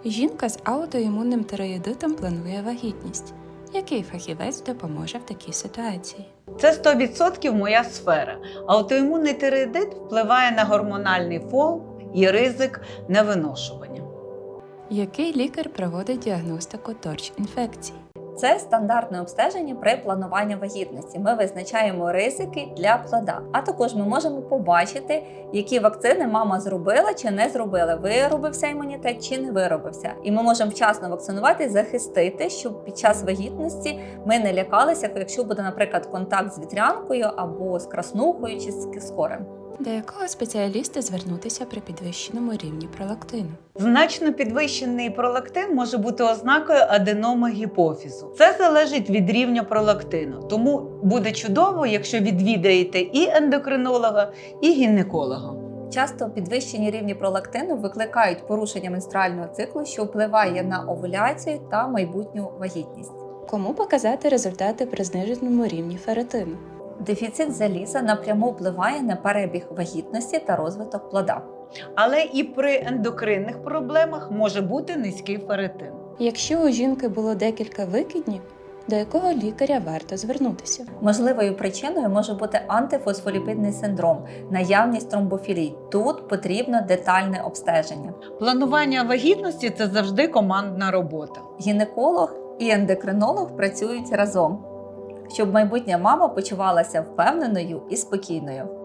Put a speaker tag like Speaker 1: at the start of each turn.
Speaker 1: Жінка з аутоімунним тиреїдитом планує вагітність. Який фахівець допоможе в такій ситуації?
Speaker 2: Це 100% моя сфера. Аутоімунний тиреїдит впливає на гормональний фон і ризик невиношування.
Speaker 1: Який лікар проводить діагностику торч-інфекцій?
Speaker 3: Це стандартне обстеження при плануванні вагітності. Ми визначаємо ризики для плода. А також ми можемо побачити, які вакцини мама зробила чи не зробила, виробився імунітет чи не виробився. І ми можемо вчасно вакцинувати, захистити, щоб під час вагітності ми не лякалися, якщо буде, наприклад, контакт з вітрянкою або з краснухою чи з корем.
Speaker 1: До якого спеціаліста звернутися при підвищеному рівні пролактину?
Speaker 2: Значно підвищений пролактин може бути ознакою аденоми гіпофізу. Це залежить від рівня пролактину, тому буде чудово, якщо відвідаєте і ендокринолога, і гінеколога.
Speaker 3: Часто підвищені рівні пролактину викликають порушення менструального циклу, що впливає на овуляцію та майбутню вагітність.
Speaker 1: Кому показати результати при зниженому рівні ферритину?
Speaker 3: Дефіцит заліза напряму впливає на перебіг вагітності та розвиток плода.
Speaker 2: Але і при ендокринних проблемах може бути низький ферритин.
Speaker 1: Якщо у жінки було декілька викиднів, до якого лікаря варто звернутися?
Speaker 3: Можливою причиною може бути антифосфоліпідний синдром, наявність тромбофілій. Тут потрібно детальне обстеження.
Speaker 2: Планування вагітності – це завжди командна робота.
Speaker 3: Гінеколог і ендокринолог працюють разом, щоб майбутня мама почувалася впевненою і спокійною.